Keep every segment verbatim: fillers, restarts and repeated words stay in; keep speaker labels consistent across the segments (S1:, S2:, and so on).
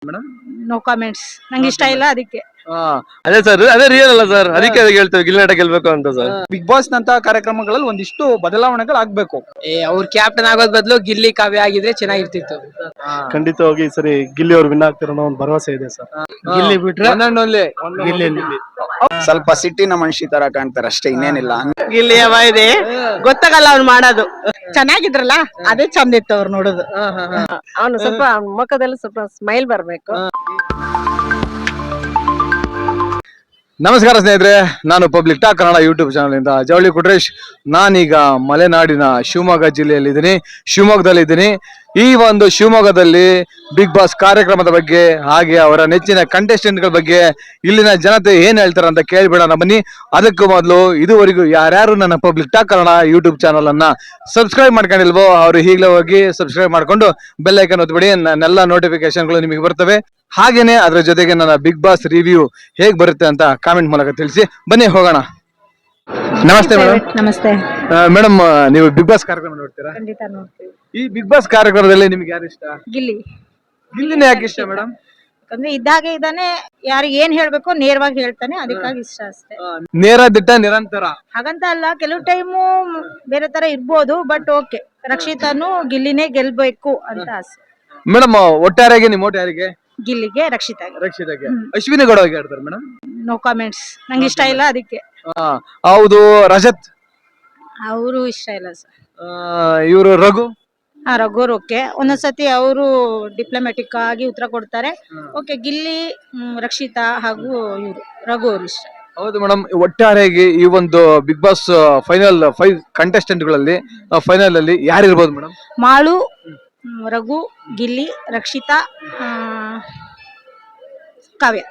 S1: Madam
S2: no comments, ನಂಗೆ ಇಷ್ಟ ಇಲ್ಲ ಅದಕ್ಕೆ.
S1: ಅದೇ ಸರ್, ಅದೇ ರಿಯಲ್ ಅಲ್ಲ ಸರ್, ಅದಕ್ಕೆ ಅದಕ್ಕೆ ಹೇಳ್ತೇವೆ ಗಿಲ್ಲಿ ನಟ ಗೆಲ್ಬೇಕು ಅಂತ ಸರ್.
S3: ಬಿಗ್ ಬಾಸ್ ನಂತ ಕಾರ್ಯಕ್ರಮಗಳಲ್ಲಿ ಒಂದಿಷ್ಟು ಬದಲಾವಣೆಗಳು ಆಗ್ಬೇಕು.
S4: ಏ ಅವ್ರ ಕ್ಯಾಪ್ಟನ್ ಆಗೋದ್ ಬದಲು ಗಿಲ್ಲಿ ಕಾವ್ಯ ಆಗಿದ್ರೆ ಚೆನ್ನಾಗಿರ್ತಿತ್ತು.
S5: ಖಂಡಿತವಾಗಿ ಈ ಸರಿ ಗಿಲ್ಲಿ ಅವ್ರು ವಿನ್ ಆಗ್ತಿರೋ ಒಂದು ಭರವಸೆ ಇದೆ ಸರ್.
S1: ಗಿಲ್ಲಿ ಬಿಟ್ರೆ
S5: ಗಿಲ್ಲಿ
S6: ಸ್ವಲ್ಪ ಸಿಟ್ಟಿನ ಮನುಷ್ಯ ತರ ಕಾಣ್ತಾರೆ ಅಷ್ಟೇ, ಇನ್ನೇನಿಲ್ಲ.
S2: ಗಿಲ್ಲಿ ಇದೆ ಗೊತ್ತಾಗಲ್ಲ ಅವ್ನು ಮಾಡೋದು. ಚೆನ್ನಾಗಿದ್ರಲ್ಲ ಅದೇ ಚಂದ ಇತ್ತು ಅವ್ರು ನೋಡೋದು.
S7: ಅವನು ಸ್ವಲ್ಪ ಮುಖದಲ್ಲಿ ಸ್ವಲ್ಪ ಸ್ಮೈಲ್ ಬರ್ಬೇಕು.
S1: ನಮಸ್ಕಾರ ಸ್ನೇಹಿತರೆ, ನಾನು public talk Kannada YouTube channel ಇಂದ ಜವಳಿ ಕುಟ್ರೇಶ್. ನಾನೀಗ ಮಲೆನಾಡಿನ ಶಿವಮೊಗ್ಗ ಜಿಲ್ಲೆಯಲ್ಲಿದ್ದೀನಿ, ಶಿವಮೊಗ್ಗದಲ್ಲಿದ್ದೀನಿ. ಈ ಒಂದು ಶಿವಮೊಗ್ಗದಲ್ಲಿ ಬಿಗ್ ಬಾಸ್ ಕಾರ್ಯಕ್ರಮದ ಬಗ್ಗೆ ಹಾಗೆ ಅವರ ನೆಚ್ಚಿನ ಕಂಟೆಸ್ಟೆಂಟ್ಗಳ ಬಗ್ಗೆ ಇಲ್ಲಿನ ಜನತೆ ಏನ್ ಹೇಳ್ತಾರೆ ಅಂತ ಕೇಳ್ಬಿಡೋಣ ಬನ್ನಿ. ಅದಕ್ಕೂ ಮೊದಲು ಇದುವರೆಗೂ ಯಾರ್ಯಾರು ನನ್ನ public talk Kannada YouTube channel ಅನ್ನ ಸಬ್ಸ್ಕ್ರೈಬ್ ಮಾಡ್ಕೊಂಡಿಲ್ವೋ ಅವರು ಈಗಲೇ ಹೋಗಿ ಸಬ್ಸ್ಕ್ರೈಬ್ ಮಾಡ್ಕೊಂಡು ಬೆಲ್ ಐಕನ್ ಒತ್ಬಿಡಿ. ನನ್ನೆಲ್ಲ ನೋಟಿಫಿಕೇಶನ್ಗಳು ನಿಮಗೆ ಬರ್ತವೆ. ಹಾಗೇನೆ ಅದರ ಜೊತೆಗೆ ನನ್ನ ಬಿಗ್ ಬಾಸ್ ರಿವ್ಯೂ ಹೇಗ್ ಬರುತ್ತೆ ಅಂತ ಕಾಮೆಂಟ್ ಮೂಲಕ ತಿಳಿಸಿ. ಬನ್ನಿ ಹೋಗೋಣ. ನಮಸ್ತೆ ಮೇಡಮ್.
S2: ನಮಸ್ತೆ
S1: ಮೇಡಮ್, ನೀವು ಬಿಗ್ ಬಾಸ್ ಕಾರ್ಯಕ್ರಮ ನೋಡ್ತೀರಾ?
S2: ಖಂಡಿತ ನೋಡ್ತೀವಿ.
S1: ಈ ಬಿಗ್ ಬಾಸ್ ಕಾರ್ಯಕ್ರಮದಲ್ಲಿ ನಿಮ್ಗೆ ಯಾರು ಇಷ್ಟ?
S2: ಗಿಲ್ಲಿ.
S1: ಗಿಲ್ಲಿನೇ ಯಾಕೆ ಇಷ್ಟ ಮೇಡಮ್?
S2: ಯಾಕಂದ್ರೆ ಇದ್ದಾಗೆ ಇದ್ದಾನೆ, ಯಾರಿಗೆ ಏನ್ ಹೇಳ್ಬೇಕು ನೇರವಾಗಿ ಹೇಳ್ತಾನೆ, ಅದಕ್ಕಾಗಿ ಇಷ್ಟ ಅಷ್ಟೇ.
S1: ನೇರ ದಿಟ್ಟ ನಿರಂತರ
S2: ಹಾಗಂತ ಅಲ್ಲ, ಕೆಲವು ಟೈಮು ಬೇರೆ ತರ ಇರ್ಬೋದು, ಬಟ್ ಓಕೆ, ರಕ್ಷಿತಾನು ಗಿಲ್ಲಿನೇ ಗೆಲ್ಬೇಕು ಅಂತ ಆಸೆ.
S1: ಮೇಡಮ್, ಒಟ್ಟಾರೆಯಾಗಿ ನಿಮ್ಮ ಓಟ್ ಯಾರಿಗೆ?
S2: ಗಿಲ್ಲಿಗೆ, ರಕ್ಷಿತಾಗೆ.
S1: ರಕ್ಷಿತಾಗೆ. ಅಶ್ವಿನಿ ಗೌಡ ಹೇಗೆ ಆಡ್ತಾರೆ ಮೇಡಮ್?
S2: ನೋ ಕಾಮೆಂಟ್ಸ್, ನಂಗೆ ಇಷ್ಟ ಇಲ್ಲ ಅದಕ್ಕೆ.
S1: ಹೌದು. ರಜತ್
S2: ಅವರು ಇಷ್ಟ ಇಲ್ಲ ಸರ್.
S1: ಇವರು ರಘು
S2: ಹಾ, ರಘುರ್ ಓಕೆ. ಒಂದೊಂದ್ಸತಿ ಅವರು ಡಿಪ್ಲೊಮ್ಯಾಟಿಕ್ ಆಗಿ ಉತ್ತರ ಕೊಡ್ತಾರೆ. ಓಕೆ, ಗಿಲ್ಲಿ, ಹ್ಮ್, ರಕ್ಷಿತಾ ಹಾಗೂ ಇವರು ರಘು ಅವರು ಇಷ್ಟ.
S1: ಹೌದು ಮೇಡಮ್, ಒಟ್ಟಾರೆಯಾಗಿ ಈ ಒಂದು Bigg Boss final five contestant ಗಳಲ್ಲಿ ಫೈನಲ್ ಅಲ್ಲಿ ಯಾರು ಇರ್ಬೋದು ಮೇಡಮ್?
S2: ಮಾಳು, ರಘು, ಗಿಲ್ಲಿ, ರಕ್ಷಿತಾ, ಕಾವ್ಯ.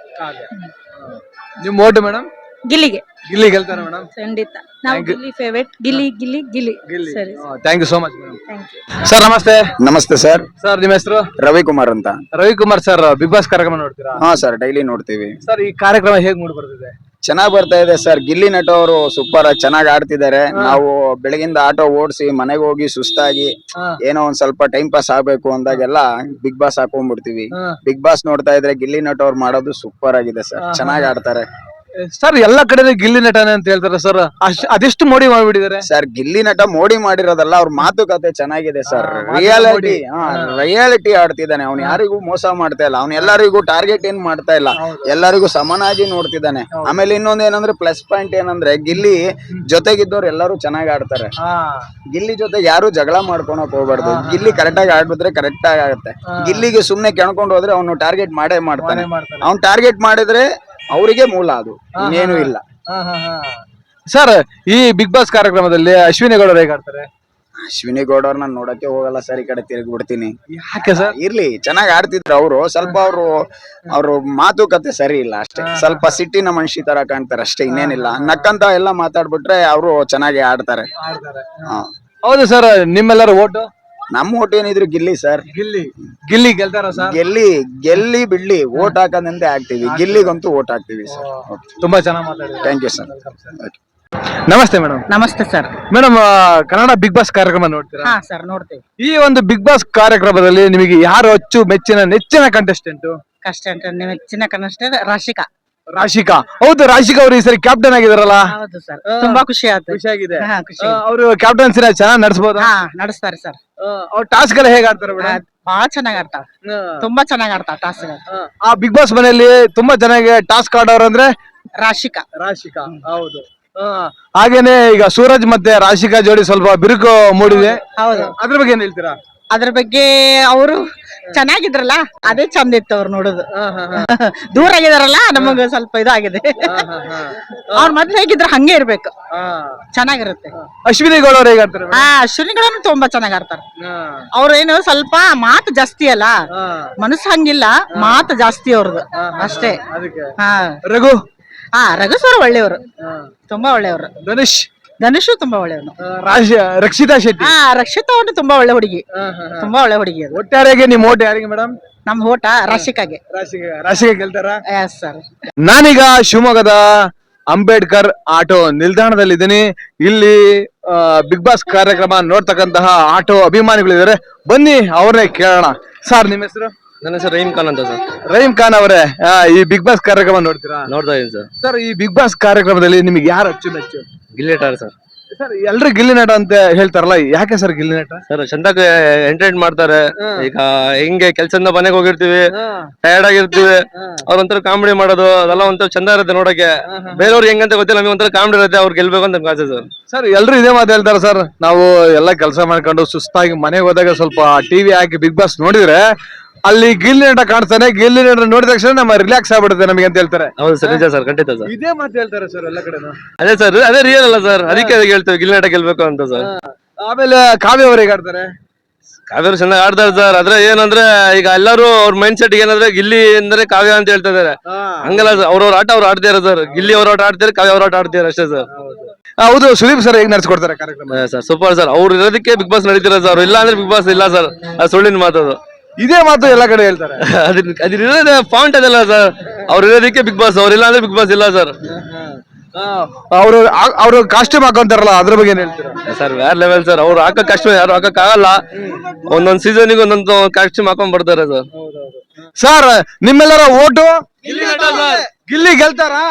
S1: ನಿಮ್ ಓಟ್ ಮೇಡಮ್?
S2: ಗಿಲ್ಲಿಗೆ.
S1: ಗಿಲ್ಲಿ ಗೆಲ್ತಾರೆ ಮೇಡಮ್?
S2: ಖಂಡಿತ. ನಾವು ಗಿಲ್ಲಿ ಫೇವರೇಟ್. ಗಿಲ್ಲಿ ಗಿಲ್ಲಿ ಗಿಲ್ಲಿ ಸರಿ.
S1: Thank you so much madam.
S2: Thank you
S1: sir. ನಮಸ್ತೆ.
S6: ನಮಸ್ತೆ ಸರ್.
S1: ಸರ್, ನಿಮ್ಮ ಹೆಸರು?
S6: ರವಿಕುಮಾರ್ ಅಂತ.
S1: ರವಿಕುಮಾರ್ ಸರ್, ಬಿಗ್ ಬಾಸ್ ಕಾರ್ಯಕ್ರಮ ನೋಡ್ತೀರಾ?
S6: ಹಾ ಸರ್, ಡೈಲಿ ನೋಡ್ತೀವಿ
S1: ಸರ್. ಈ ಕಾರ್ಯಕ್ರಮ ಹೇಗ್ ಮೂಡಿ ಬರ್ತಿದೆ?
S6: ಚೆನ್ನಾಗ್ ಬರ್ತಾ ಇದೆ ಸರ್. ಗಿಲ್ಲಿ ನಟ ಅವರು ಸೂಪರ್ ಚೆನ್ನಾಗ್ ಆಡ್ತಿದ್ದಾರೆ. ನಾವು ಬೆಳಗಿಂದ ಆಟೋ ಓಡಿಸಿ ಮನೆಗೆ ಹೋಗಿ ಸುಸ್ತಾಗಿ ಏನೋ ಒಂದ್ ಸ್ವಲ್ಪ ಟೈಮ್ ಪಾಸ್ ಆಗ್ಬೇಕು ಅಂದಾಗೆಲ್ಲ ಬಿಗ್ ಬಾಸ್ ಹಾಕೊಂಡ್ಬಿಡ್ತೀವಿ. ಬಿಗ್ ಬಾಸ್ ನೋಡ್ತಾ ಇದ್ರೆ ಗಿಲ್ಲಿ ನಟ ಅವ್ರು ಮಾಡೋದು ಸೂಪರ್ ಆಗಿದೆ ಸರ್. ಚೆನ್ನಾಗ್ ಆಡ್ತಾರೆ
S1: ಸರ್. ಎಲ್ಲಾ ಕಡೆ ಗಿಲ್ಲಿ ನಟನೆ ಅಂತ ಹೇಳ್ತಾರೆ ಸರ್, ಅದೆಷ್ಟು ಮೋಡಿ ಮಾಡ್ಬಿಟ್ಟಿದ್ದಾರೆ
S6: ಸರ್. ಗಿಲ್ಲಿ ನಟ ಮೋಡಿ ಮಾಡಿರೋದಲ್ಲ, ಅವ್ರ ಮಾತುಕತೆ ಚೆನ್ನಾಗಿದೆ ಸರ್. Reality reality ಆಡ್ತಿದ್ದಾನೆ. ಅವ್ನು ಯಾರಿಗೂ ಮೋಸ ಮಾಡ್ತಾ ಇಲ್ಲ, ಅವ್ನು ಎಲ್ಲರಿಗೂ ಟಾರ್ಗೆಟ್ ಏನ್ ಮಾಡ್ತಾ ಇಲ್ಲ, ಎಲ್ಲರಿಗೂ ಸಮನಾಗಿ ನೋಡ್ತಿದ್ದಾನೆ. ಆಮೇಲೆ ಇನ್ನೊಂದ್ ಏನಂದ್ರೆ ಪ್ಲಸ್ ಪಾಯಿಂಟ್ ಏನಂದ್ರೆ ಗಿಲ್ಲಿ ಜೊತೆಗಿದ್ದವ್ರು ಎಲ್ಲರೂ ಚೆನ್ನಾಗಿ ಆಡ್ತಾರೆ. ಗಿಲ್ಲಿ ಜೊತೆ ಯಾರು ಜಗಳ ಮಾಡ್ಕೊಳಕ್ ಹೋಗ್ಬಾರ್ದು. ಗಿಲ್ಲಿ ಕರೆಕ್ಟ್ ಆಗಿ ಆಡಿದ್ರೆ ಕರೆಕ್ಟ್ ಆಗಿ ಆಗುತ್ತೆ. ಗಿಲ್ಲಿಗೆ ಸುಮ್ನೆ ಕೆಣ್ಕೊಂಡು ಹೋದ್ರೆ ಅವ್ನು ಟಾರ್ಗೆಟ್ ಮಾಡೇ ಮಾಡ್ತಾನೆ. ಅವ್ನು ಟಾರ್ಗೆಟ್ ಮಾಡಿದ್ರೆ ಅವರಿಗೆ ಮೂಲ, ಅದು ಇನ್ನೇನು ಇಲ್ಲ
S1: ಸರ್. ಈ ಬಿಗ್ ಬಾಸ್ ಕಾರ್ಯಕ್ರಮದಲ್ಲಿ ಅಶ್ವಿನಿ ಗೌಡ ಹೇಗೆ ಆಡ್ತಾರೆ?
S6: ಅಶ್ವಿನಿ ಗೌಡ ಅವ್ರನ್ನ ನೋಡಕ್ಕೆ ಹೋಗಲ್ಲ ಸರ್, ಈ ಕಡೆ ತಿರುಗಿ ಬಿಡ್ತೀನಿ.
S1: ಯಾಕೆ ಸರ್?
S6: ಇರ್ಲಿ, ಚೆನ್ನಾಗಿ ಆಡ್ತಿದ್ರು ಅವರು. ಸ್ವಲ್ಪ ಅವರು ಅವ್ರು ಮಾತುಕತೆ ಸರಿ ಇಲ್ಲ ಅಷ್ಟೇ. ಸ್ವಲ್ಪ ಸಿಟ್ಟಿನ ಮನುಷ್ಯ ತರ ಕಾಣ್ತಾರೆ ಅಷ್ಟೇ, ಇನ್ನೇನಿಲ್ಲ. ನಕ್ಕಂತ ಎಲ್ಲ ಮಾತಾಡ್ಬಿಟ್ರೆ ಅವರು ಚೆನ್ನಾಗಿ ಆಡ್ತಾರೆ.
S1: ಹೌದು ಸರ್. ನಿಮ್ಮೆಲ್ಲರ ಓಟು?
S6: ನಮ್ಮ ಓಟ್ ಏನಿದ್ರು ಗಿಲ್ಲಿ ಸರ್.
S1: ಗಿಲ್ಲಿ ಗಿಲ್ಲಿ ಗೆಲ್ತಾರ ಸರ್?
S6: ಗೆಲ್ಲಿ ಗೆಲ್ಲಿ ಬಿಡ್ಲಿ, ಓಟ್ ಹಾಕೋದಂತೆ ಹಾಕ್ತಿವಿ. ಗಿಲ್ಲಿಗಂತೂ ಓಟ್ ಹಾಕ್ತಿವಿ ಸರ್.
S1: ತುಂಬಾ ಚೆನ್ನಾಗಿ ಮಾತಾಡಿದ್ರಿ.
S6: Thank you sir.
S1: ನಮಸ್ತೆ ಮೇಡಮ್.
S2: ನಮಸ್ತೆ sir.
S1: Madam, Kannada Bigg Boss ಕಾರ್ಯಕ್ರಮ ನೋಡ್ತೀರಾ?
S2: ಹಾ ಸರ್, ನೋಡ್ತೀವಿ.
S1: ಈ ಒಂದು ಬಿಗ್ ಬಾಸ್ ಕಾರ್ಯಕ್ರಮದಲ್ಲಿ ನಿಮಗೆ ಯಾರು ಅಚ್ಚು ಮೆಚ್ಚಿನ ನೆಚ್ಚಿನ ಕಂಟೆಸ್ಟೆಂಟ್?
S2: ಕಷ್ಟೆಂಟ್ ನೆಚ್ಚಿನ ಕನ್ನಡ ರಾಶಿಕಾ.
S1: ರಾಶಿಕಾ. ಹೌದು, ರಾಶಿಕಾ ಅವರು ಈ ಸರಿ ಕ್ಯಾಪ್ಟನ್ ಆಗಿದಾರಲ್ಲ?
S2: ಹೌದು ಸರ್, ತುಂಬಾ ಖುಷಿ ಆಯ್ತು.
S1: ಖುಷಿಯಾಗಿದೆ.
S2: ಹಾ, ಖುಷಿ.
S1: ಅವರು ಕ್ಯಾಪ್ಟನ್ಸಿನ ಚೆನ್ನಾಗಿ ನಡೆಸಬಹುದು?
S2: ಹಾ, ನಡೆಸ್ತಾರೆ ಸರ್.
S1: ಅವ್ರ ಟಾಸ್ಕ್ ಎಲ್ಲ ಹೇಗೆ ಆಡ್ತಾರೆ ಮೇಡಮ್?
S2: ಬಹಳ ಚೆನ್ನಾಗಿ ಆಡ್ತಾರ, ತುಂಬಾ ಚೆನ್ನಾಗಿ ಆಡ್ತಾರ ಟಾಸ್ಕ್.
S1: ಆ ಬಿಗ್ ಬಾಸ್ ಮನೆಯಲ್ಲಿ ತುಂಬಾ ಚೆನ್ನಾಗಿ ಟಾಸ್ಕ್ ಆಡೋರು ಅಂದ್ರೆ
S2: ರಾಶಿಕಾ.
S1: ರಾಶಿಕಾ, ಹೌದು. ಹಾಗೇನೆ ಈಗ ಸೂರಜ್ ಮತ್ತೆ ರಾಶಿಕಾ ಜೋಡಿ ಸ್ವಲ್ಪ ಬಿರುಕು ಮೂಡಿದೆ.
S2: ಹೌದು.
S1: ಅದ್ರ ಬಗ್ಗೆ ಏನ್ ಹೇಳ್ತೀರಾ?
S2: ಅದ್ರ ಬಗ್ಗೆ ಅವರು ಚೆನ್ನಾಗಿದ್ರಲ್ಲ ಅದೇ ಚಂದ ಇತ್ತು ಅವ್ರು ನೋಡುದು. ದೂರ ಆಗಿದಾರಲ್ಲ, ನಮಗ ಸ್ವಲ್ಪ ಇದಾಗಿದೆ. ಅವ್ರ ಮೊದ್ಲು ಹೇಗಿದ್ರು ಹಂಗೆ ಇರ್ಬೇಕು, ಚೆನ್ನಾಗಿರುತ್ತೆ.
S1: ಅಶ್ವಿನಿ ಗೌಡ ಅವ್ರು ಹೇಗೆ ಆಡ್ತಾರೆ?
S2: ಹಾ, ಅಶ್ವಿನಿಗಳನ್ನು ತುಂಬಾ ಚೆನ್ನಾಗಿ ಆಡ್ತಾರೆ. ಅವ್ರೇನು ಸ್ವಲ್ಪ ಮಾತು ಜಾಸ್ತಿ ಅಲ್ಲ, ಮನಸ್ಸು ಹಂಗಿಲ್ಲ, ಮಾತು ಜಾಸ್ತಿ ಅವ್ರದ್ದು ಅಷ್ಟೇ. ಹಾ,
S1: ರಘು.
S2: ಹಾ, ರಘು ಸರ್ ಒಳ್ಳೆಯವರು, ತುಂಬಾ ಒಳ್ಳೆಯವರು.
S1: ಧನುಷ್.
S2: ಧನುಷು ತುಂಬಾ ಒಳ್ಳೆಯವನು.
S1: ರಕ್ಷಿತಾ ಶೆಟ್ಟಿ.
S2: ಹಾ, ರಕ್ಷಿತಾ ಅವನು ತುಂಬಾ ಒಳ್ಳೆ ಹುಡುಗಿ, ತುಂಬಾ ಒಳ್ಳೆ ಹುಡುಗಿ ಅದು.
S1: ಒಟ್ಟಾರೆಗೆ ನಿಮ್ ಓಟ್ ಯಾರಿಗೆ ಮೇಡಮ್?
S2: ನಮ್ ಓಟ ರಾಶಿಕಾಗೆ.
S1: ರಾಶಿಕಾ. ರಾಶಿಕಾ ಗೆಲ್ತಾರ?
S2: Yes sir.
S1: ನಾನೀಗ ಶಿವಮೊಗ್ಗದ ಅಂಬೇಡ್ಕರ್ ಆಟೋ ನಿಲ್ದಾಣದಲ್ಲಿದ್ದೀನಿ. ಇಲ್ಲಿ ಬಿಗ್ ಬಾಸ್ ಕಾರ್ಯಕ್ರಮ ನೋಡ್ತಕ್ಕಂತಹ ಆಟೋ ಅಭಿಮಾನಿಗಳಿದ್ದಾರೆ. ಬನ್ನಿ ಅವ್ರನ್ನೇ ಕೇಳೋಣ. ಸರ್, ನಿಮ್ಮ ಹೆಸರು?
S5: ನನ್ನ ಹೆಸರು ರಹೀಮ್ ಖಾನ್ ಅಂತ ಸರ್.
S1: ರಹೀಮ್ ಖಾನ್ ಅವರೇ, ಆ, ಈ ಬಿಗ್ ಬಾಸ್ ಕಾರ್ಯಕ್ರಮ ನೋಡ್ತೀರಾ?
S5: ನೋಡ್ತಾ ಇದೀನಿ ಸರ್.
S1: ಸರ್, ಈ ಬಿಗ್ ಬಾಸ್ ಕಾರ್ಯಕ್ರಮದಲ್ಲಿ ನಿಮ್ಗೆ ಯಾರು ಅಚ್ಚುಮೆಚ್ಚು?
S5: ಗಿಲ್ಲಿ ನಟ ಸರ್.
S1: ಸರ್, ಎಲ್ರು ಗಿಲ್ಲಿ ನಟ ಅಂತ ಹೇಳ್ತಾರಲ್ಲ, ಯಾಕೆ ಸರ್ ಗಿಲ್ಲಿ ನಟ?
S5: ಸರ್ ಚಂದಾಗಿ ಎಂಟರ್ಟೈನ್ ಮಾಡ್ತಾರೆ. ಈಗ ಹಿಂಗೆ ಕೆಲ್ಸದಿಂದ ಮನೆಗೆ ಹೋಗಿರ್ತೀವಿ, ಟಯರ್ಡ್ ಆಗಿರ್ತೀವಿ, ಅವ್ರ ಒಂಥರ ಕಾಮಿಡಿ ಮಾಡೋದು ಅದೆಲ್ಲ ಒಂಥರ ಚಂದ ಇರುತ್ತೆ ನೋಡಕ್ಕೆ. ಬೇರೆಯವ್ರಿಗೆ ಹೆಂಗಂತ ಗೊತ್ತಿಲ್ಲ, ನಮಗೆ ಒಂಥರ ಕಾಮಿಡಿ ಇರುತ್ತೆ, ಅವ್ರು ಗೆಲ್ಬೇಕು ಅಂತ ನಮ್ಗೆ ಆಸೆ ಸರ್.
S1: ಸರ್, ಎಲ್ರು ಇದೇ ಮಾತು ಹೇಳ್ತಾರೆ ಸರ್. ನಾವು ಎಲ್ಲ ಕೆಲಸ ಮಾಡ್ಕೊಂಡು ಸುಸ್ತಾಗಿ ಮನೆಗೆ ಹೋದಾಗ ಸ್ವಲ್ಪ ಟಿವಿ ಹಾಕಿ ಬಿಗ್ ಬಾಸ್ ನೋಡಿದ್ರೆ ಅಲ್ಲಿ ಗಿಲ್ಲಿ ನಟ ಕಾಣಿಸ್ತಾನೆ, ಗಿಲ್ಲಿ ನಟ ನೋಡಿದ ತಕ್ಷಣ ನಮ್ಮ ರಿಲ್ಯಾಕ್ಸ್ ಆಗ್ಬಿಡುತ್ತೆ ನಮಗೆ ಅಂತ ಹೇಳ್ತಾರೆ.
S5: ಹೌದು ಸರ್, ನಿಜ ಸರ್, ಖಂಡಿತ ಸರ್.
S1: ಇದೇ ಮಾತು ಹೇಳ್ತಾರೆ ಸರ್ ಎಲ್ಲ ಕಡೆ.
S5: ಅದೇ ಸರ್, ಅದೇ ರಿಯಲ್ ಅಲ್ಲ ಸರ್, ಅದಕ್ಕೆ ಹೇಳ್ತೇವೆ ಗಿಲ್ಲಿ ನಟ ಗೆಲ್ಬೇಕು ಅಂತ ಸರ್.
S1: ಆಮೇಲೆ ಕಾವ್ಯ ಅವ್ರಿಗೆ ಆಡ್ತಾರೆ.
S5: ಕಾವ್ಯರು ಚೆನ್ನಾಗಿ ಆಡ್ತಾರೆ ಸರ್. ಆದ್ರೆ ಏನಂದ್ರೆ ಈಗ ಎಲ್ಲರೂ ಅವ್ರ ಮೈಂಡ್ ಸೆಟ್ ಏನಂದ್ರೆ ಗಿಲ್ಲಿ ಅಂದ್ರೆ ಕಾವ್ಯ ಅಂತ ಹೇಳ್ತಾ ಇದಾರೆ. ಹಂಗಲ್ಲ ಸರ್, ಅವ್ರವ್ರ ಆಟ ಅವ್ರು ಆಡ್ತಾರೆ ಸರ್. ಗಿಲ್ಲಿ ಅವ್ರ ಆಟ ಆಡ್ತಾರೆ, ಕಾವ್ಯ ಅವ್ರ ಆಟ ಆಡ್ತಾರೆ ಅಷ್ಟೇ ಸರ್.
S1: ಹೌದು, ಸುದೀಪ್ ಸರ್ ಹೇಗ್ ನಡ್ಸ್ಕೊಡ್ತಾರೆ ಕಾರ್ಯಕ್ರಮ?
S5: Sir super sir. ಅವ್ರು ಇರೋದಕ್ಕೆ ಬಿಗ್ ಬಾಸ್ ನಡೀತಿರೋ ಸರ್. ಇಲ್ಲ ಅಂದ್ರೆ ಬಿಗ್ ಬಾಸ್ ಇಲ್ಲ ಸರ್, ಅದು ಸುಳ್ಳಿನ ಮಾತದು.
S1: ಇದೇ ಮಾತು ಎಲ್ಲ ಕಡೆ ಹೇಳ್ತಾರೆ.
S5: ಅದ್ರ ಅದ್ರ ಪಾಯಿಂಟ್ ಅದಲ್ಲ ಸರ್. ಅವ್ರು ಇರೋದಕ್ಕೆ ಬಿಗ್ ಬಾಸ್, ಅವ್ರಿಲ್ಲ ಅಂದ್ರೆ ಬಿಗ್ ಬಾಸ್ ಇಲ್ಲ ಸರ್.
S1: ಅವರು ಅವರು ಕಾಸ್ಟ್ಯೂಮ್ ಹಾಕೊಂತಾರಲ್ಲ, ಅದ್ರ ಬಗ್ಗೆ ಏನ್ ಹೇಳ್ತೀರಾ?
S5: ಸರ್ ಬೇರೆ ಲೆವೆಲ್ ಸರ್. ಅವ್ರು ಹಾಕೋ ಕಾಸ್ಟ್ಯೂಮ್ ಯಾರು ಹಾಕಕ್ ಆಗಲ್ಲ. ಒಂದೊಂದ್ ಸೀಸನ್ಗೆ ಒಂದೊಂದು ಕಾಸ್ಟ್ಯೂಮ್ ಹಾಕೊಂಡ್ ಬರ್ತಾರೆ ಸರ್.
S1: ಸರ್, ನಿಮ್ಮೆಲ್ಲರ ಓಟು ಗಿಲ್ಲಿ ಗೆಲ್ತಾರಾ?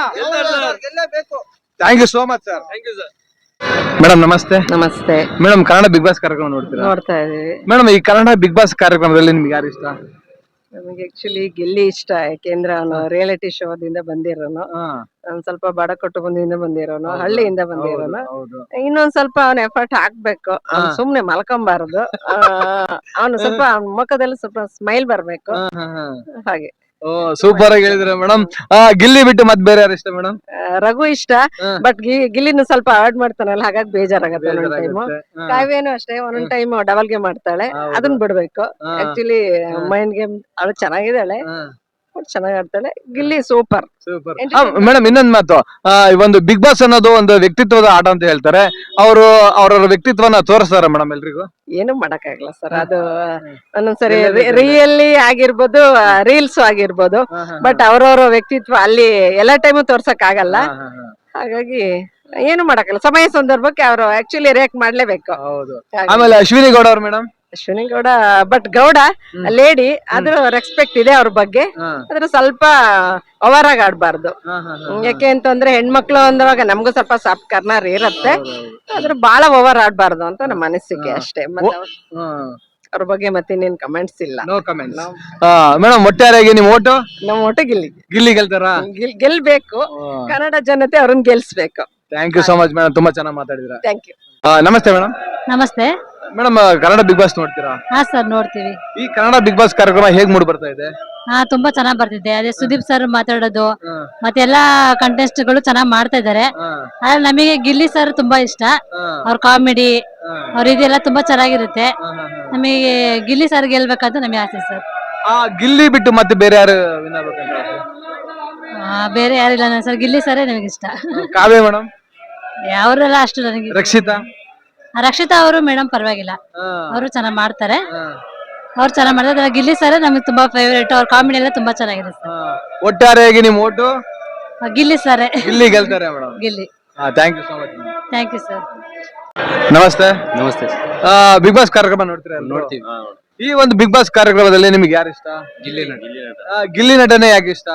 S1: Thank you so much sir.
S5: Thank you sir.
S1: Madam ನಮಸ್ತೆ.
S7: ನಮಸ್ತೆ.
S1: ಮೇಡಮ್, ಕನ್ನಡ ಬಿಗ್ ಬಾಸ್ ಕಾರ್ಯಕ್ರಮ ನೋಡ್ತೀರಾ?
S7: ನೋಡ್ತಾ ಇದೀವಿ.
S1: ಮೇಡಮ್, ಈ ಕನ್ನಡ ಬಿಗ್ ಬಾಸ್ ಕಾರ್ಯಕ್ರಮದಲ್ಲಿ ನಿಮ್ಗೆ ಯಾರು ಇಷ್ಟ?
S7: ನಮಗೆ ಆಕ್ಚುಲಿ ಗಿಲ್ಲಿ ಇಷ್ಟ. ಯಾಕೆಂದ್ರೆ ಅವನು ರಿಯಾಲಿಟಿ ಶೋದಿಂದ ಬಂದಿರೋನು, ಒಂದ್ ಸ್ವಲ್ಪ ಬಡ ಕುಟುಂಬದಿಂದ ಬಂದಿರೋನು, ಹಳ್ಳಿಯಿಂದ ಬಂದಿರೋನು. ಇನ್ನೊಂದ್ ಸ್ವಲ್ಪ ಅವನ ಎಫರ್ಟ್ ಹಾಕ್ಬೇಕು. ಅವ್ನು ಸುಮ್ನೆ ಮಲ್ಕೊಂಬಾರದು. ಅವನು ಸ್ವಲ್ಪ ಅವ್ನ ಮುಖದಲ್ಲಿ ಸ್ವಲ್ಪ ಸ್ಮೈಲ್ ಬರ್ಬೇಕು. ಹಾಗೆ
S1: ಸೂಪರ್ ಆಗಿ ಹೇಳಿದ್ರೆ ಮೇಡಮ್. ಗಿಲ್ಲಿ ಬಿಟ್ಟು ಮತ್ ಬೇರೆ ಯಾರು ಇಷ್ಟ ಮೇಡಮ್?
S7: ರಘು ಇಷ್ಟ, ಬಟ್ ಗಿಲ್ಲಿನ ಸ್ವಲ್ಪ ಅವಾಯ್ಡ್ ಮಾಡ್ತಾನಲ್ಲ, ಹಾಗಾಗಿ ಬೇಜಾರಾಗತ್ತೆ ಒಂದೊಂದ್ ಟೈಮು. ಕಾವ್ಯನು ಅಷ್ಟೇ, ಒಂದೊಂದ್ ಟೈಮ್ ಡಬಲ್ ಗೇಮ್ ಮಾಡ್ತಾಳೆ, ಅದನ್ನ ಬಿಡ್ಬೇಕು. ಆಕ್ಚುಲಿ ಮೈಂಡ್ ಗೇಮ್ ಅವಳು ಚೆನ್ನಾಗಿದ್ದಾಳೆ, ಚೆನ್ನಾಗಿ ಆಡ್ತಾಳೆ. ಗಿಲ್ಲಿ ಸೂಪರ್.
S1: ಮೇಡಮ್, ಇನ್ನೊಂದ್ ಮಾತು, ಆ, ಈ ಒಂದು ಬಿಗ್ ಬಾಸ್ ಅನ್ನೋದು ಒಂದು ವ್ಯಕ್ತಿತ್ವದ ಆಟ ಅಂತ ಹೇಳ್ತಾರೆ. ಅವರು ಅವ್ರವ್ರ ವ್ಯಕ್ತಿತ್ವನ ತೋರಿಸ್ತಾರ ಮೇಡಮ್ ಎಲ್ರಿಗೂ?
S7: ಏನು ಮಾಡಕ್ಕಾಗಲ್ಲ ಸರ್. ಅದು ಒಂದೊಂದ್ಸರಿ ರಿಯಲಿ ಆಗಿರ್ಬೋದು, ರೀಲ್ಸ್ ಆಗಿರ್ಬೋದು, ಬಟ್ ಅವ್ರವ್ರ ವ್ಯಕ್ತಿತ್ವ ಅಲ್ಲಿ ಎಲ್ಲಾ ಟೈಮು ತೋರ್ಸಕ್ ಆಗಲ್ಲ. ಹಾಗಾಗಿ ಏನು ಮಾಡಕ್ಕಲ್ಲ, ಸಮಯ ಸಂದರ್ಭಕ್ಕೆ ಅವರು ಆಕ್ಚುಲಿ ರಿಯಾಕ್ಟ್ ಮಾಡ್ಲೇಬೇಕು.
S1: ಆಮೇಲೆ ಅಶ್ವಿನಿ ಗೌಡ ಅವ್ರು madam?
S7: Ashwini Gowda, but Gowda lady, ಅದ್ರ ರೆಸ್ಪೆಕ್ಟ್ ಇದೆ ಅವ್ರ ಬಗ್ಗೆ. ಆದ್ರೆ ಸ್ವಲ್ಪ ಓವರ್ ಆಗಿ ಆಡ್ಬಾರ್ದು. ಯಾಕೆ ಅಂತಂದ್ರೆ ಹೆಣ್ಮಕ್ಳು ಅಂದಾಗ ನಮ್ಗೂ ಸ್ವಲ್ಪ ಸಾಫ್ಟ್ ಕಾರ್ನರ್ ಇರತ್ತೆ, ಆದ್ರೆ ಬಹಳ ಓವರ್ ಆಡ್ಬಾರ್ದು ಅಂತ ನಮ್ಮ ಅನಿಸಿಕೆ ಅಷ್ಟೇ. ಮತ್ತೆ ಅವ್ರ ಬಗ್ಗೆ ಮತ್ತೆ ಇನ್ನೇನ್ ಕಮೆಂಟ್ಸ್ ಇಲ್ಲ.
S1: No comments. ಮೇಡಮ್, ಒಟ್ಟಾರೆಯಾಗಿ ನಿಮ್ ಓಟು?
S7: ನಮ್ಮ ಒಟ್ಟು ಗಿಲ್ಲಿ
S1: ಗಿಲ್ಲಿ ಗೆಲ್ತಾರಾ?
S7: ಗೆಲ್ಬೇಕು. ಕನ್ನಡ ಜನತೆ ಅವ್ರನ್ನ ಗೆಲ್ಸ್ಬೇಕು.
S1: Thank you so much madam, ತುಂಬಾ ಚೆನ್ನಾಗಿ ಮಾತಾಡಿದ್ರ.
S7: Thank you.
S1: ನಮಸ್ತೆ ಮೇಡಮ್.
S8: ನಮಸ್ತೆ
S1: ಮೇಡಮ್, ಕನ್ನಡ ಬಿಗ್ ಬಾಸ್ ನೋಡ್ತೀರಾ?
S8: ಹಾ ಸರ್, ನೋಡ್ತೀವಿ.
S1: ಈ ಕನ್ನಡ ಬಿಗ್ ಬಾಸ್ ಕಾರ್ಯಕ್ರಮ ಹೇಗ್ ಮೂಡ್ ಬರ್ತಾ ಇದೆ?
S8: ಹಾ, ತುಂಬಾ ಚೆನ್ನಾಗ್ ಬರ್ತಿದೆ. ಅದೇ ಸುದೀಪ್ ಸರ್ ಮಾತಾಡೋದು ಮತ್ತೆ ಎಲ್ಲಾ ಕಂಟೆಸ್ಟ್ ಗಳು ಚೆನ್ನಾಗ್ ಮಾಡ್ತಾ ಇದಾರೆ. ಆದ್ರೆ ನಮಗೆ ಗಿಲ್ಲಿ ಸರ್ ತುಂಬಾ ಇಷ್ಟ. ಅವ್ರ ಕಾಮಿಡಿ, ಅವ್ರ ಇದೆಲ್ಲ ತುಂಬಾ ಚೆನ್ನಾಗಿರುತ್ತೆ. ನಮಗೆ ಗಿಲ್ಲಿ ಸರ್ ಗೆಲ್ಬೇಕಂತ ನಮಗೆ ಆಸೆ ಸರ್.
S1: ಆ ಗಿಲ್ಲಿ ಬಿಟ್ಟು ಮತ್ತೆ ಬೇರೆ ಯಾರು ವಿನ್ ಆಗ್ಬೇಕಂತ?
S8: ಆ, ಬೇರೆ ಯಾರಿಲ್ಲ ಸರ್, ಗಿಲ್ಲಿ ಸರೇ ನಮಗೆ ಇಷ್ಟ.
S1: ಕಾವ್ಯ ಮೇಡಮ್?
S8: ಅವರೆಲ್ಲ ಅಷ್ಟು ನನಗೆ.
S1: ರಕ್ಷಿತಾ?
S8: ರಕ್ಷಿತಾ ಅವರು ಮೇಡಮ್ ಪರವಾಗಿಲ್ಲ, ಅವರು ಚೆನ್ನಾಗ್ ಮಾಡ್ತಾರೆ. ಅವ್ರು ಚೆನ್ನಾಗ್ ಮಾಡ್ತಾರೆ. ಗಿಲ್ಲಿ ಸರ್ ನಮಗೆ ತುಂಬಾ ಫೇವರೇಟ್. ಅವ್ರ ಕಾಮಿಡಿ ಎಲ್ಲ ತುಂಬಾ ಚೆನ್ನಾಗಿದೆ ಸರ್.
S1: ಒಟ್ಟಾರೆಯಾಗಿ ನಿಮ್ ಓಟು
S8: ಗಿಲ್ಲಿ ಸರ್?
S1: ಗಿಲ್ಲಿ ಗೆಲ್ತಾರೆ madam.
S8: Gilli.
S1: Thank you so much.
S8: Thank you sir.
S1: ನಮಸ್ತೆ.
S5: ನಮಸ್ತೆ.
S1: ಬಿಗ್ ಬಾಸ್ ಕಾರ್ಯಕ್ರಮ ನೋಡ್ತೀರಾ?
S5: ನೋಡ್ತೀವಿ.
S1: ಈ ಒಂದು ಬಿಗ್ ಬಾಸ್ ಕಾರ್ಯಕ್ರಮದಲ್ಲಿ ನಿಮ್ಗೆ ಯಾರು ಇಷ್ಟ?
S5: ಗಿಲ್ಲಿ ನಟ.
S1: ಆ, ಗಿಲ್ಲಿ ನಟನೆ ಯಾಕೆ ಇಷ್ಟ?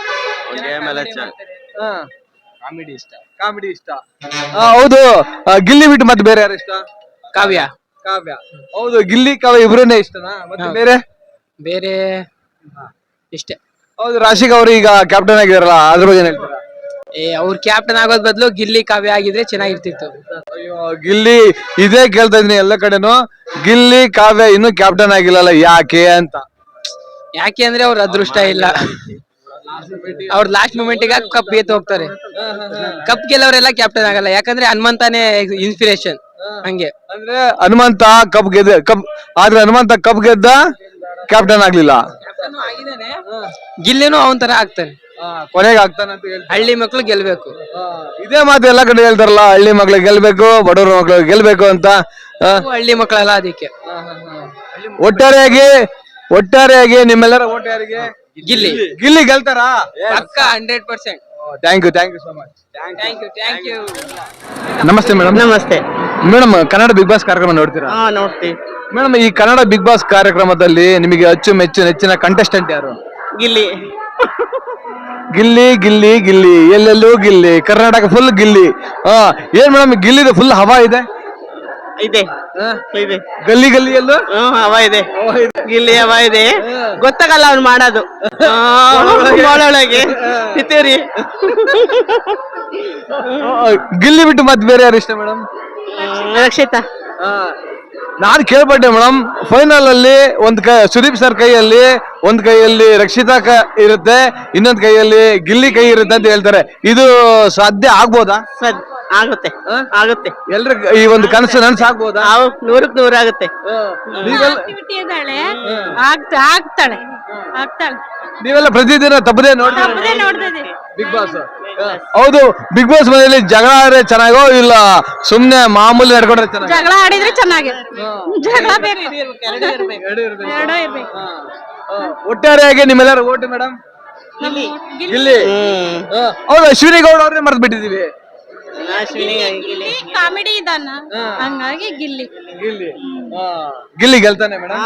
S5: ಕಾಮಿಡಿ ಇಷ್ಟ.
S1: ಕಾಮಿಡಿ ಇಷ್ಟ. ಆ, ಹೌದು. ಆ, ಗಿಲ್ಲಿ ಬಿಟ್ಟು ಮತ್ತೆ ಬೇರೆ ಯಾರು ಇಷ್ಟ?
S4: ಕಾವ್ಯ.
S1: ಕಾವ್ಯ. ಹೌದು, ಗಿಲ್ಲಿ ಕಾವ್ಯ ಇಬ್ರನ್ನೇ ಇಷ್ಟನಾ? ಮತ್ತೆ ಬೇರೆ
S4: ಬೇರೆ ಇಷ್ಟೇ.
S1: ಹೌದು, ರಾಶಿಕ್ ಅವರು ಈಗ ಕ್ಯಾಪ್ಟನ್ ಆಗಿದಾರಲ್ಲ, ಅದ್ರ ಬಗ್ಗೆ ಏನ್ ಹೇಳ್ತೀರಾ?
S4: ಏ ಅವ್ರ ಕ್ಯಾಪ್ಟನ್ ಆಗೋದ್ ಬದಲು ಗಿಲ್ಲಿ ಕಾವ್ಯ ಆಗಿದ್ರೆ ಚೆನ್ನಾಗಿರ್ತಿತ್ತು.
S1: ಅಯ್ಯೋ, ಗಿಲ್ಲಿ ಇದೇ ಕೇಳ್ತಾ ಇದೀನಿ ಎಲ್ಲ ಕಡೆನು. ಗಿಲ್ಲಿ ಕಾವ್ಯ ಇನ್ನು ಕ್ಯಾಪ್ಟನ್ ಆಗಿಲ್ಲಲ್ಲ, ಯಾಕೆ ಅಂತ?
S4: ಯಾಕೆ ಅಂದ್ರೆ ಅವ್ರ ಅದೃಷ್ಟ ಇಲ್ಲ. ಅವ್ರ ಲಾಸ್ಟ್ ಮೂಮೆಂಟ್ ಗೆ ಕಪ್ ಎತ್ತು ಹೋಗ್ತಾರೆ. ಕಪ್ ಗೆಲ್ಲವರೆಲ್ಲ ಕ್ಯಾಪ್ಟನ್ ಆಗಲ್ಲ, ಯಾಕಂದ್ರೆ ಹನುಮಂತಾನೆ ಇನ್ಸ್ಪಿರೇಷನ್. ಹಂಗೆ
S1: ಅಂದ್ರೆ ಹನುಮಂತ ಕಪ್ ಗೆದ್ದ ಕಪ್ ಆದ್ರೆ ಹನುಮಂತ ಕಪ್ ಗೆದ್ದ, ಕ್ಯಾಪ್ಟನ್ ಆಗ್ಲಿಲ್ಲ.
S4: ಗಿಲ್ಲಿನೂ ಅವನ್ ತರ ಆಗ್ತಾನೆ,
S1: ಕೊನೆಗೆ ಆಗ್ತಾನೆ ಅಂತ ಹೇಳ್ತಾರೆ.
S4: ಹಳ್ಳಿ ಮಕ್ಳು ಗೆಲ್ಬೇಕು.
S1: ಇದೇ ಮಾತು ಎಲ್ಲ ಕಡೆ ಹೇಳ್ತಾರಲ್ಲ, ಹಳ್ಳಿ ಮಕ್ಳು ಗೆಲ್ಬೇಕು, ಬಡವ್ರ ಮಕ್ಳು ಗೆಲ್ಬೇಕು ಅಂತ.
S4: ಹಳ್ಳಿ ಮಕ್ಕಳೆಲ್ಲ ಅದಕ್ಕೆ.
S1: ಒಟ್ಟಾರೆಯಾಗಿ ಒಟ್ಟಾರೆಯಾಗಿ ನಿಮ್ಮೆಲ್ಲರ ಓಟ್ ಯಾರಿಗೆ?
S4: ಗಿಲ್ಲಿ.
S1: ಗಿಲ್ಲಿ ಗೆಲ್ತಾರಾ?
S4: ಪಕ್ಕ hundred percent.
S1: Thank you thank you so much.
S4: Thank you thank you.
S1: ನಮಸ್ತೆ ಮೇಡಮ್.
S7: ನಮಸ್ತೆ
S1: ಮೇಡಮ್, ಕನ್ನಡ ಬಿಗ್ ಬಾಸ್ ಕಾರ್ಯಕ್ರಮ ನೋಡ್ತೀರಾ?
S7: ಹಾ, ನೋಡ್ತೀವಿ.
S1: ಮೇಡಮ್ ಈ ಕನ್ನಡ ಬಿಗ್ ಬಾಸ್ ಕಾರ್ಯಕ್ರಮದಲ್ಲಿ ನಿಮಗೆ ಅಚ್ಚುಮೆಚ್ಚು ನೆಚ್ಚಿನ ಕಂಟೆಸ್ಟೆಂಟ್ ಯಾರು?
S2: ಗಿಲ್ಲಿ
S1: ಗಿಲ್ಲಿ ಗಿಲ್ಲಿ ಗಿಲ್ಲಿ ಎಲ್ಲೆಲ್ಲೂ ಗಿಲ್ಲಿ, ಕರ್ನಾಟಕ ಫುಲ್ ಗಿಲ್ಲಿ. ಹಾ ಏನ್ ಮೇಡಮ್ ಗಿಲ್ಲಿದು ಫುಲ್ ಹವಾ ಇದೆ
S2: ಇದೆ ಇದೆ
S1: ಗಲ್ಲಿ ಗಲ್ಲಿಯಲ್ಲೂ
S2: ಹ್ಮ್ ಹವಾ ಇದೆ ಗಿಲ್ಲಿ ಹವಾ ಇದೆ. ಗೊತ್ತಾಗಲ್ಲ ಅವ್ನು ಮಾಡೋದು ಒಳಗೆ ಇತ್ತೀರಿ.
S1: ಗಿಲ್ಲಿ ಬಿಟ್ಟು ಮತ್ತೆ ಬೇರೆ ಯಾರು ಇಷ್ಟ ಮೇಡಮ್?
S2: ರಕ್ಷಿತಾ
S1: ನಾನ್ ಕೇಳ್ಪಟ್ಟೆ ಮೇಡಮ್, ಫೈನಲ್ ಅಲ್ಲಿ ಒಂದ್ ಕೈ ಸುದೀಪ್ ಸರ್ ಕೈಯಲ್ಲಿ ಒಂದ್ ಕೈಯಲ್ಲಿ ರಕ್ಷಿತಾ ಕ ಇರುತ್ತೆ, ಇನ್ನೊಂದ್ ಕೈಯಲ್ಲಿ ಗಿಲ್ಲಿ ಕೈ ಇರುತ್ತೆ ಅಂತ ಹೇಳ್ತಾರೆ. ಇದು ಸಾಧ್ಯ ಆಗ್ಬೋದಾ?
S2: ಸದ್ ಆಗುತ್ತೆ ಆಗುತ್ತೆ
S1: ಎಲ್ರ ಈ ಒಂದು ಕನಸು ನನ್ಸ್ ಆಗ್ಬೋದಾ?
S2: ನಾವು ನೂರಕ್ ನೂರ ಆಗುತ್ತೆ.
S1: ನೀವೆಲ್ಲ
S8: ಇದ್ದಾಳೆ ಆಗ್ತಾ ಆಗ್ತಾಳೆ ಆಗ್ತಾಳೆ
S1: ನೀವೆಲ್ಲ ಪ್ರತಿದಿನ ತಪ್ಪದೆ ನೋಡಿ
S8: ನೋಡ್ತಾ ಇದೀವಿ.
S1: Bigg Boss. ಹೌದು, ಬಿಗ್ ಬಾಸ್ ಮನೆಯಲ್ಲಿ ಜಗಳ ಆದ್ರೆ ಚೆನ್ನಾಗೋ ಇಲ್ಲ ಸುಮ್ನೆ ಮಾಮೂಲಿ ನಡ್ಕೊಂಡ್ರೆ ಚೆನ್ನಾಗಿ?
S8: ಜಗಳ ಆಡಿದ್ರೆ ಚೆನ್ನಾಗಿ, ಜಗಳ ಬೇಕು, ಎರಡೂ ಇರ್ಬೇಕು.
S1: ಒಟ್ಟಾರೆಯಾಗಿ ನಿಮ್ಮೆಲ್ಲರ ಓಟು ಮೇಡಮ್ ಗಿಲ್ಲಿ. ಹೌದು, ಅಶ್ವಿನಿ ಗೌಡ ಅವ್ರನ್ನೇ ಮರ್ತ್ ಬಿಟ್ಟಿದೀವಿ.
S8: ಕಾಮಿಡಿ ಇದಾನ ಹಂಗಾಗಿ ಗಿಲ್ಲಿ
S1: ಗಿಲ್ಲಿ ಗಿಲ್ಲಿ ಗೆಲ್ತಾನೆ ಮೇಡಮ್.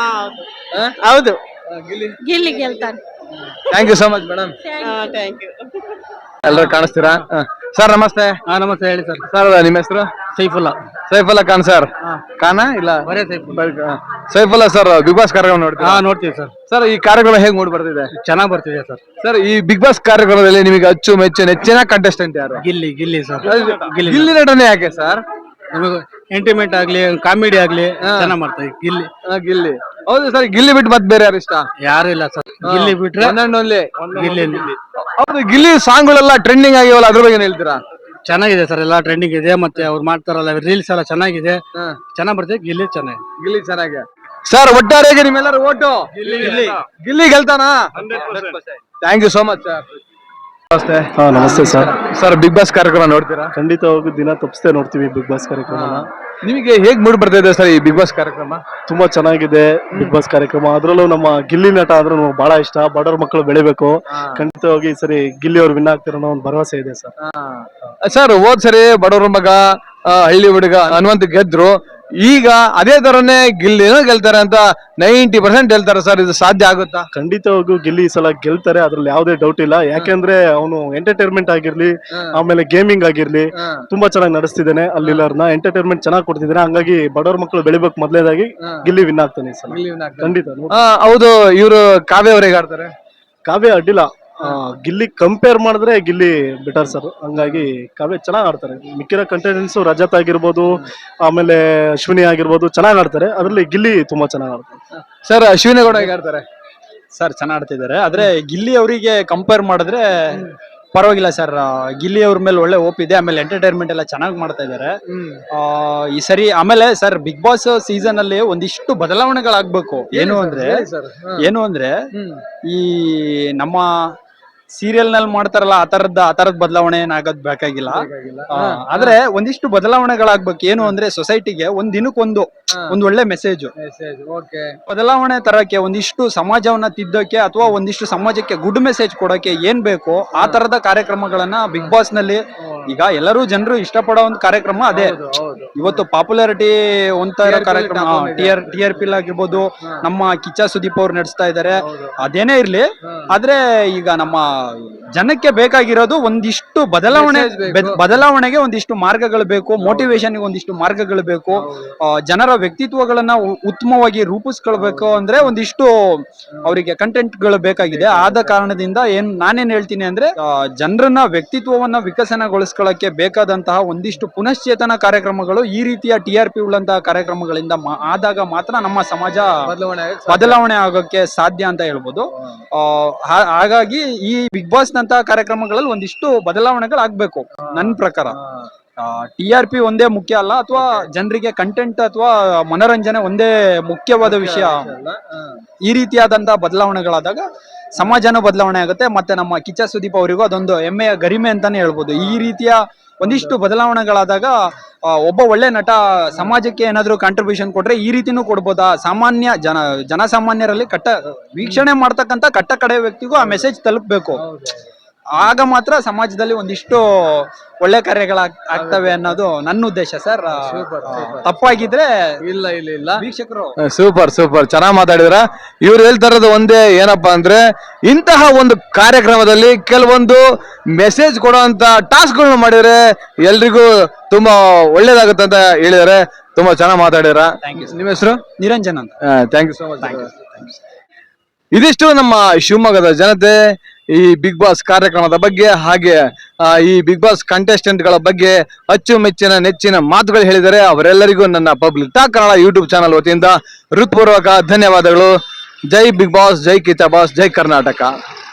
S2: ಹೌದು
S1: ಗಿಲ್ಲಿ
S8: ಗಿಲ್ಲಿ ಗೆಲ್ತಾನೆ.
S1: Thank you so much madam.
S2: Thank you.
S1: ಎಲ್ಲರೂ ಕಾಣಿಸ್ತೀರಾ? ಸರ್ ನಮಸ್ತೆ.
S3: ಹಾ ನಮಸ್ತೆ, ಹೇಳಿ ಸರ್.
S1: ಸರ್ ನಿಮ್ಮ ಹೆಸರು?
S3: ಸೈಫುಲ್ಲಾ.
S1: ಸೈಫುಲ್ಲಾ ಖಾನ್ ಸರ್. ಖಾನಾ ಇಲ್ಲ
S3: ಬರೇ Saifullah.
S1: Saifullah sir Bigg Boss ಕಾರ್ಯಕ್ರಮ ನೋಡ್ತೀರಾ?
S3: ಹಾ ನೋಡ್ತೀವಿ ಸರ್.
S1: ಸರ್ ಈ ಕಾರ್ಯಕ್ರಮ ಹೇಗ್ ಮೂಡ್ ಬರ್ತಿದೆ?
S3: ಚೆನ್ನಾಗ್ ಬರ್ತಿದೆ ಸರ್.
S1: ಸರ್ ಈ ಬಿಗ್ ಬಾಸ್ ಕಾರ್ಯಕ್ರಮದಲ್ಲಿ ನಿಮಗೆ ಅಚ್ಚು ಮೆಚ್ಚು ನೆಚ್ಚಿನ ಕಂಟೆಸ್ಟೆಂಟ್ ಯಾರು?
S3: ಗಿಲ್ಲಿ ಗಿಲ್ಲಿ ಸರ್. ಗಿಲ್ಲಿ
S1: ಗಿಲ್ಲಿ ನಟನೆ ಯಾಕೆ ಸರ್?
S3: ನಮಗೆ ಎಂಟರ್ಟೈನ್ಮೆಂಟ್ ಆಗ್ಲಿ ಕಾಮಿಡಿ ಆಗ್ಲಿ ಚೆನ್ನಾಗ್ ಮಾಡ್ತಾರೆ ಗಿಲ್ಲಿ.
S1: ಗಿಲ್ಲಿ. ಹೌದು ಸರ್, ಗಿಲ್ಲಿ ಬಿಟ್ಟು ಮತ್ತೆ ಬೇರೆ ಯಾರು ಇಷ್ಟ?
S3: ಯಾರು ಇಲ್ಲ ಸರ್, ಗಿಲ್ಲಿ ಬಿಟ್ರೆ
S1: ಒಂದೊಂದು
S3: ಗಿಲ್ಲಿ.
S1: ಹೌದು, ಗಿಲ್ಲಿ ಸಾಂಗ್ಗಳೆಲ್ಲ ಟ್ರೆಂಡಿಂಗ್ ಆಗಿವಲ್ಲ, ಅದ್ರ ಬಗ್ಗೆ ಏನ್ ಹೇಳ್ತೀರಾ?
S3: ಚೆನ್ನಾಗಿದೆ ಸರ್, ಎಲ್ಲ ಟ್ರೆಂಡಿಂಗ್ ಇದೆ. ಮತ್ತೆ ಅವ್ರು ಮಾಡ್ತಾರಲ್ಲ ರೀಲ್ಸ್ ಎಲ್ಲ ಚೆನ್ನಾಗಿದೆ, ಚೆನ್ನಾಗ್ ಬರ್ತಿದೆ. ಗಿಲ್ಲಿ ಚೆನ್ನಾಗಿ
S1: ಗಿಲ್ಲಿ ಚೆನ್ನಾಗಿ. ಸರ್ ಒಟ್ಟಾರೆಯಾಗಿ ನಿಮ್ಮೆಲ್ಲರೂ ಓಟು ಗಿಲ್ಲಿ ಗೆಲ್ತಾನ? Thank you so much sir. ನಮಸ್ತೆ.
S9: ಹಾ ನಮಸ್ತೆ ಸರ್.
S1: ಸರ್ ಬಿಗ್ ಬಾಸ್ ಕಾರ್ಯಕ್ರಮ ನೋಡ್ತೀರಾ?
S9: ಖಂಡಿತವಾಗೂ ದಿನ ತಪ್ಪಿಸ್ತೇ ನೋಡ್ತೀವಿ ಬಿಗ್ ಬಾಸ್ ಕಾರ್ಯಕ್ರಮನ.
S1: ನಿಮಗೆ ಹೇಗ್ ಮೂಡ್ ಬರ್ತಾ ಇದೆ ಸರ್ ಈ ಬಿಗ್ ಬಾಸ್ ಕಾರ್ಯಕ್ರಮ?
S9: ತುಂಬಾ ಚೆನ್ನಾಗಿದೆ ಬಿಗ್ ಬಾಸ್ ಕಾರ್ಯಕ್ರಮ. ಅದ್ರಲ್ಲೂ ನಮ್ಮ ಗಿಲ್ಲಿ ನಟ ಆದ್ರೂ ನಮ್ಗೆ ಬಹಳ ಇಷ್ಟ. ಬಡವ್ರ ಮಕ್ಕಳು ಬೆಳಿಬೇಕು. ಖಂಡಿತವಾಗಿ ಈ ಸರಿ ಗಿಲ್ಲಿ ಅವ್ರು ವಿನ್ ಆಗ್ತಾರೋ ಅನ್ನೋ ಒಂದು ಭರವಸೆ ಇದೆ ಸರ್.
S1: ಸರ್ ಹೋದ್ ಸರಿ ಬಡವ್ರ ಮಗ ಆ, ಹಳ್ಳಿ ಹುಡುಗ ಹನುಮಂತ ಗೆದ್ರು. ಈಗ ಅದೇ ತರನೇ ಗಿಲ್ಲಿನೂ ಗೆಲ್ತಾರೆ ಅಂತ ನೈಂಟಿ ಪರ್ಸೆಂಟ್ ಹೇಳ್ತಾರೆ ಸರ್. ಇದು ಸಾಧ್ಯ ಆಗುತ್ತಾ?
S9: ಖಂಡಿತವಾಗೂ ಗಿಲ್ಲಿ ಈ ಸಲ ಗೆಲ್ತಾರೆ, ಅದ್ರಲ್ಲಿ ಯಾವುದೇ ಡೌಟ್ ಇಲ್ಲ. ಯಾಕೆಂದ್ರೆ ಅವನು ಎಂಟರ್ಟೈನ್ಮೆಂಟ್ ಆಗಿರ್ಲಿ, ಆಮೇಲೆ ಗೇಮಿಂಗ್ ಆಗಿರ್ಲಿ ತುಂಬಾ ಚೆನ್ನಾಗಿ ನಡೆಸ್ತಿದ್ದಾನೆ. ಅಲ್ಲಿಲ್ಲರ್ನ ಎಂಟರ್ಟೈನ್ಮೆಂಟ್ ಚೆನ್ನಾಗಿ ಕೊಡ್ತಿದ್ದಾನೆ. ಹಂಗಾಗಿ ಬಡವ್ರ ಮಕ್ಕಳು ಬೆಳಿಬೇಕು ಮೊದಲೇದಾಗಿ ಗಿಲ್ಲಿ ವಿನ್ ಆಗ್ತಾನೆ ಈ ಸಲ. ಖಂಡಿತ.
S1: ಆ, ಹೌದು, ಇವರು ಕಾವ್ಯ ಅವ್ರು ಹೇಗಾಡ್ತಾರೆ?
S9: ಕಾವ್ಯ ಅಡ್ಡಿಲ್ಲ. ಆ, ಗಿಲ್ಲಿ ಕಂಪೇರ್ ಮಾಡಿದ್ರೆ ಗಿಲ್ಲಿ ಬೆಟರ್ ಸರ್. ಹಂಗಾಗಿ ಕಾವ್ಯ ಚೆನ್ನಾಗ್ ಆಡ್ತಾರೆ. ಮಿಕ್ಕಿರೋ ಕಂಟೆಂಟ್ಸ್ ರಜತ್ ಆಗಿರ್ಬೋದು, ಆಮೇಲೆ ಅಶ್ವಿನಿ ಆಗಿರ್ಬೋದು ಚೆನ್ನಾಗ್ ಆಡ್ತಾರೆ. ಅದ್ರಲ್ಲಿ ಗಿಲ್ಲಿ ತುಂಬಾ ಚೆನ್ನಾಗ್ ಆಡ್ತಾರೆ.
S1: ಸರ್ ಅಶ್ವಿನಿ ಗೌಡ ಹೇಗಾಡ್ತಾರೆ?
S3: ಸರ್ ಚೆನ್ನಾಗ್ ಆಡ್ತಿದ್ದಾರೆ. ಆದ್ರೆ ಗಿಲ್ಲಿ ಅವರಿಗೆ ಕಂಪೇರ್ ಮಾಡಿದ್ರೆ ಪರವಾಗಿಲ್ಲ ಸರ್. ಗಿಲ್ಲಿ ಅವ್ರ ಮೇಲೆ ಒಳ್ಳೆ ಹೋಪ್ ಇದೆ. ಆಮೇಲೆ ಎಂಟರ್ಟೈನ್ಮೆಂಟ್ ಎಲ್ಲ ಚೆನ್ನಾಗಿ ಮಾಡ್ತಾ ಇದ್ದಾರೆ ಈ ಸರಿ. ಆಮೇಲೆ ಸರ್ ಬಿಗ್ ಬಾಸ್ ಸೀಸನ್ ಅಲ್ಲಿ ಒಂದಿಷ್ಟು ಬದಲಾವಣೆಗಳಾಗ್ಬೇಕು. ಏನು ಅಂದ್ರೆ ಏನು ಅಂದ್ರೆ ಈ ನಮ್ಮ ಸೀರಿಯಲ್ ನಲ್ಲಿ ಮಾಡ್ತಾರಲ್ಲ ಆ ತರದ ಆ ತರದ ಬದಲಾವಣೆ ಏನಾಗೋದ್ ಬೇಕಾಗಿಲ್ಲ. ಆದ್ರೆ ಒಂದಿಷ್ಟು ಬದಲಾವಣೆಗಳಾಗ್ಬೇಕು. ಏನು ಅಂದ್ರೆ ಸೊಸೈಟಿಗೆ ಒಂದ್ ದಿನಕ್ಕೊಂದು ಒಂದ್ ಒಳ್ಳೆ ಮೆಸೇಜ್ ಬದಲಾವಣೆ ತರಕ್ಕೆ, ಒಂದಿಷ್ಟು ಸಮಾಜವನ್ನ ತಿದ್ದಕ್ಕೆ ಅಥವಾ ಒಂದಿಷ್ಟು ಸಮಾಜಕ್ಕೆ ಗುಡ್ ಮೆಸೇಜ್ ಕೊಡಕ್ಕೆ ಏನ್ ಬೇಕು ಆ ತರದ ಕಾರ್ಯಕ್ರಮಗಳನ್ನ ಬಿಗ್ ಬಾಸ್ ನಲ್ಲಿ ಈಗ ಎಲ್ಲರೂ ಜನರು ಇಷ್ಟಪಡೋ ಒಂದು ಕಾರ್ಯಕ್ರಮ ಅದೇ. ಇವತ್ತು ಪಾಪ್ಯುಲಾರಿಟಿ ಒಂತ ಇರೋ ಕಾರ್ಯಕ್ರಮ T R T R P ಆಗಿರ್ಬೋದು, ನಮ್ಮ ಕಿಚ್ಚ ಸುದೀಪ್ ಅವ್ರು ನಡೆಸ್ತಾ ಇದ್ದಾರೆ. ಅದೇನೇ ಇರ್ಲಿ, ಆದ್ರೆ ಈಗ ನಮ್ಮ ಜನಕ್ಕೆ ಬೇಕಾಗಿರೋದು ಒಂದಿಷ್ಟು ಬದಲಾವಣೆ. ಬದಲಾವಣೆಗೆ ಒಂದಿಷ್ಟು ಮಾರ್ಗಗಳು ಬೇಕು, ಮೋಟಿವೇಶನ್ ಒಂದಿಷ್ಟು ಮಾರ್ಗಗಳು ಬೇಕು. ಜನರ ವ್ಯಕ್ತಿತ್ವಗಳನ್ನ ಉತ್ತಮವಾಗಿ ರೂಪಿಸ್ಕೊಳ್ಬೇಕು ಅಂದ್ರೆ ಒಂದಿಷ್ಟು ಅವರಿಗೆ ಕಂಟೆಂಟ್ ಗಳು ಬೇಕಾಗಿದೆ. ಆದ ಕಾರಣದಿಂದ ಏನ್ ನಾನೇನ್ ಹೇಳ್ತೀನಿ ಅಂದ್ರೆ ಜನರನ್ನ ವ್ಯಕ್ತಿತ್ವವನ್ನ ವಿಕಸನಗೊಳಿಸ್ಕೊಳ್ಳಕ್ಕೆ ಬೇಕಾದಂತಹ ಒಂದಿಷ್ಟು ಪುನಶ್ಚೇತನ ಕಾರ್ಯಕ್ರಮಗಳು ಈ ರೀತಿಯ ಟಿ ಆರ್ ಪಿ ಉಳ್ಳಂತಹ ಕಾರ್ಯಕ್ರಮಗಳಿಂದ ಆದಾಗ ಮಾತ್ರ ನಮ್ಮ ಸಮಾಜ ಬದಲಾವಣೆ ಆಗೋಕೆ ಸಾಧ್ಯ ಅಂತ ಹೇಳ್ಬೋದು. ಆ ಹಾಗಾಗಿ ಈ ಬಿಗ್ ಬಾಸ್ ನಂತಹ ಕಾರ್ಯಕ್ರಮಗಳಲ್ಲಿ ಒಂದಿಷ್ಟು ಬದಲಾವಣೆಗಳು ಆಗ್ಬೇಕು ನನ್ನ ಪ್ರಕಾರ. ಟಿ ಆರ್ ಪಿ ಒಂದೇ ಮುಖ್ಯ ಅಲ್ಲ, ಅಥವಾ ಜನರಿಗೆ ಕಂಟೆಂಟ್ ಅಥವಾ ಮನೋರಂಜನೆ ಒಂದೇ ಮುಖ್ಯವಾದ ವಿಷಯ. ಈ ರೀತಿಯಾದಂತಹ ಬದಲಾವಣೆಗಳಾದಾಗ ಸಮಾಜನೂ ಬದಲಾವಣೆ ಆಗುತ್ತೆ. ಮತ್ತೆ ನಮ್ಮ ಕಿಚ್ಚ ಸುದೀಪ್ ಅವರಿಗೂ ಅದೊಂದು ಹೆಮ್ಮೆಯ ಗರಿಮೆ ಅಂತಾನೆ ಹೇಳ್ಬೋದು. ಈ ರೀತಿಯ ಒಂದಿಷ್ಟು ಬದಲಾವಣೆಗಳಾದಾಗ ಒಬ್ಬ ಒಳ್ಳೆ ನಟ ಸಮಾಜಕ್ಕೆ ಏನಾದ್ರು ಕಾಂಟ್ರಿಬ್ಯೂಷನ್ ಕೊಟ್ರೆ ಈ ರೀತಿನೂ ಕೊಡ್ಬೋದಾ, ಸಾಮಾನ್ಯ ಜನ ಜನಸಾಮಾನ್ಯರಲ್ಲಿ ಕಟ್ಟ ವೀಕ್ಷಣೆ ಮಾಡ್ತಕ್ಕಂಥ ಕಟ್ಟ ಕಡೆ ವ್ಯಕ್ತಿಗೂ ಆ ಮೆಸೇಜ್ ತಲುಪಬೇಕು. ಆಗ ಮಾತ್ರ ಸಮಾಜದಲ್ಲಿ ಒಂದಿಷ್ಟು ಒಳ್ಳೆ ಕಾರ್ಯಗಳ ಆಗ್ತವೆ ಅನ್ನೋದು ನನ್ನ ಉದ್ದೇಶ ಸರ್. ತಪ್ಪಾಗಿದ್ರೆ
S1: ಇಲ್ಲ ಇಲ್ಲ ಇಲ್ಲ
S3: ವೀಕ್ಷಕರು
S1: ಸೂಪರ್ ಸೂಪರ್ ಚೆನ್ನಾಗಿ ಮಾತಾಡಿದ್ರ. ಇವ್ರು ಹೇಳ್ತಾ ಇರೋದು ಒಂದೇ ಏನಪ್ಪಾ ಅಂದ್ರೆ ಇಂತಹ ಒಂದು ಕಾರ್ಯಕ್ರಮದಲ್ಲಿ ಕೆಲವೊಂದು ಮೆಸೇಜ್ ಕೊಡುವಂತ ಟಾಸ್ಕ್ಗಳನ್ನ ಮಾಡಿದ್ರೆ ಎಲ್ರಿಗೂ ತುಂಬಾ ಒಳ್ಳೇದಾಗುತ್ತೆ ಅಂತ ಹೇಳಿದಾರೆ. ತುಂಬಾ ಚೆನ್ನಾಗಿ ಮಾತಾಡಿದ್ರ. ನಿಮ್ಮ ಹೆಸರು?
S3: ನಿರಂಜನ್ ಅಂತ.
S1: Thank you so much. ಇದಿಷ್ಟು ನಮ್ಮ ಶಿವಮೊಗ್ಗದ ಜನತೆ ಈ ಬಿಗ್ ಬಾಸ್ ಕಾರ್ಯಕ್ರಮದ ಬಗ್ಗೆ ಹಾಗೆ ಆ, ಈ ಬಿಗ್ ಬಾಸ್ ಕಂಟೆಸ್ಟೆಂಟ್ ಗಳ ಬಗ್ಗೆ ಅಚ್ಚುಮೆಚ್ಚಿನ ನೆಚ್ಚಿನ ಮಾತುಗಳು ಹೇಳಿದರೆ ಅವರೆಲ್ಲರಿಗೂ ನನ್ನ public talk Kannada YouTube channel ವತಿಯಿಂದ ಹೃತ್ಪೂರ್ವಕ ಧನ್ಯವಾದಗಳು. ಜೈ ಬಿಗ್ ಬಾಸ್, ಜೈ ಕಿಚ್ಚ ಬಾಸ್, ಜೈ ಕರ್ನಾಟಕ.